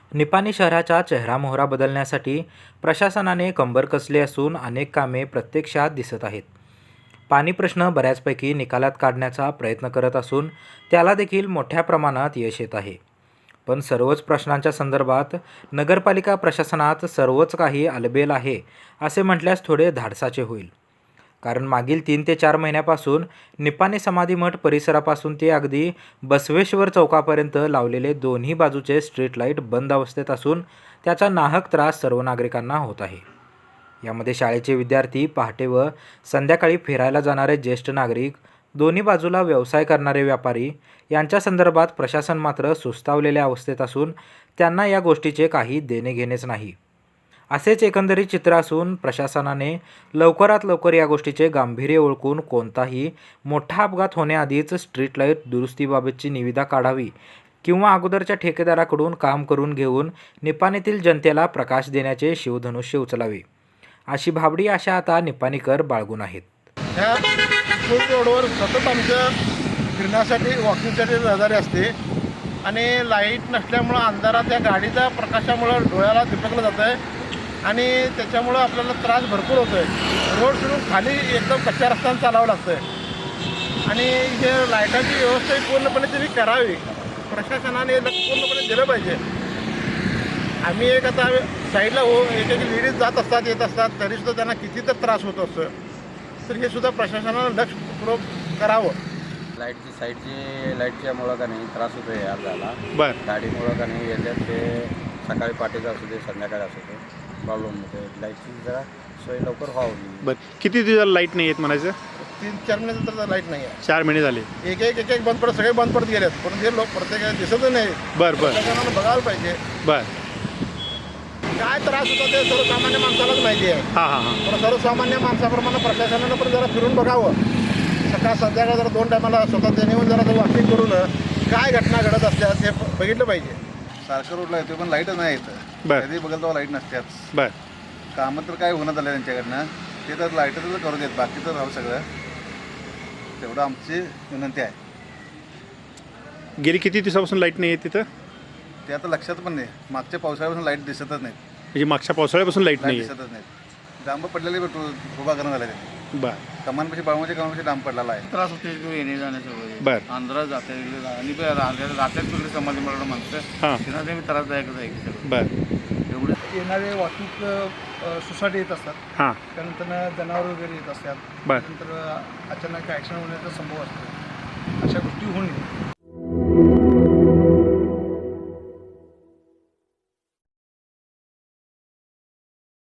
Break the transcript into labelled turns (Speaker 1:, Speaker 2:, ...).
Speaker 1: निपाणी शहराचा चेहरामोहरा बदलण्यासाठी प्रशासनाने कंबर कसली असून अनेक कामे प्रत्यक्षात दिसत आहेत. पाणी प्रश्न बऱ्याचपैकी निकालात काढण्याचा प्रयत्न करत असून त्याला देखील मोठ्या प्रमाणात यश येत आहे. पण सर्वच प्रश्नांच्या संदर्भात नगरपालिका प्रशासनात सर्वच काही आलबेल आहे असे म्हटल्यास थोडे धाडसाचे होईल. कारण मागील 3 ते 4 महिन्यापासून निपाणी समाधी मठ परिसरापासून ते अगदी बसवेश्वर चौकापर्यंत लावलेले दोन्ही बाजूचे स्ट्रीट लाईट बंद अवस्थेत असून त्याचा नाहक त्रास सर्व नागरिकांना होत आहे. यामध्ये शाळेचे विद्यार्थी, पहाटे व संध्याकाळी फिरायला जाणारे ज्येष्ठ नागरिक, दोन्ही बाजूला व्यवसाय करणारे व्यापारी यांच्या संदर्भात प्रशासन मात्र सुस्तावलेल्या अवस्थेत असून त्यांना या गोष्टीचे काही देणे घेणेच नाही. असेच एकंदरीत चित्र असून प्रशासनाने लवकरात लवकर या गोष्टीचे गांभीर्य ओळखून कोणताही मोठा अपघात होण्याआधीच स्ट्रीट लाईट दुरुस्तीबाबतची निविदा काढावी किंवा अगोदरच्या ठेकेदाराकडून काम करून घेऊन निपाणीतील जनतेला प्रकाश देण्याचे शिवधनुष्य उचलावे, अशी भाबडी आशा आता निपाणीकर बाळगून आहेत.
Speaker 2: ह्या फुल रोडवर सतत आमच्या फिरण्यासाठी वॉकिंगसाठी रहदारी असते आणि लाईट नसल्यामुळं अंधारात त्या गाडीच्या प्रकाशामुळं डोळ्याला दिपकलं जातं आहे आणि त्याच्यामुळं आपल्याला त्रास भरपूर होतो आहे. रोड सोडून खाली एकदम कच्च्या रस्त्यानं चालावं लागतं आहे आणि हे लाईटाची व्यवस्था पूर्णपणे त्यांनी करावी. प्रशासनाने पूर्णपणे दिलं पाहिजे. आम्ही आता साईडला एक लेडीज जात असतात, येत असतात, तरीसुद्धा त्यांना किती तर त्रास होत असतो. तर हे सुद्धा प्रशासनानं लक्षपूर्वक करावं.
Speaker 3: लाईटच्यामुळं का नाही त्रास होतो आहे अर्धाला.
Speaker 4: बरं.
Speaker 3: गाडीमुळं का नाही येतात ते सकाळी पाठीचं असू दे, संध्याकाळी असू दे, प्रॉब्लेम होते. लाईटची जरा सोय लवकर व्हावी.
Speaker 4: बरं, किती दिवस लाईट नाही येत म्हणायचं?
Speaker 2: 3-4 महिने तर लाईट नाही आहे.
Speaker 4: 4 महिने झाले.
Speaker 2: एक बंद पडत, सगळे बंद पडत गेलेत. पण हे लोक प्रत्येकाला दिसतच नाही.
Speaker 4: बरं.
Speaker 2: प्रशासनानं बघायला पाहिजे
Speaker 4: बरं.
Speaker 2: काय त्रास होतो ते सर्वसामान्य माणसालाच माहिती आहे.
Speaker 4: हां.
Speaker 2: पण सर्वसामान्य माणसाप्रमाणे प्रशासनानं पण जरा फिरून बघावं. सकाळ संध्याकाळ जरा 2 टायमाला स्वतः त्याने येऊन जरा वॉकिंग करून काय घटना घडत असल्यास हे बघितलं पाहिजे.
Speaker 5: सारखं रोडला येतो पण लाईटच नाही येतं.
Speaker 4: बरं.
Speaker 5: कधी बघाल तेव्हा लाईट नसत्याच.
Speaker 4: बरं.
Speaker 5: कामं तर काय होणं झालं त्यांच्याकडनं, ते तर लाईटच करू देत, बाकीचं राहू सगळं. तेवढं आमची विनंती आहे.
Speaker 4: गेली किती दिवसापासून लाईट नाही आहे तिथं?
Speaker 5: ते आता लक्षात पण नाही. मागच्या पावसाळ्यापासून लाईट दिसतच नाहीत.
Speaker 4: म्हणजे मागच्या पावसाळ्यापासून लाईट नाही आहे.
Speaker 5: दिसतच नाहीत. डांब पडलेले उभा करणं झालं ते.
Speaker 4: बरं.
Speaker 5: कमानपाशी बाळमाच्या कमानपाशी डांब पडलेला आहे.
Speaker 6: त्रास होते येणे जाण्याचं.
Speaker 4: बरं.
Speaker 6: आंध्रात जाते आणि रात्यात कुठले समाधी मला म्हणतं
Speaker 4: हां.
Speaker 6: त्यांना ते त्रासदायकच आहे की सगळं.
Speaker 4: बरं.
Speaker 6: एवढं
Speaker 2: येणारे वाहतूक सोसायटी येत असतात,
Speaker 4: हां.
Speaker 2: त्यानंतर जनावर वगैरे येत असतात,
Speaker 4: बरं.
Speaker 2: नंतर अचानक ॲक्सिडेंट होण्याचा संभव असतो. अशा गोष्टी होऊ नये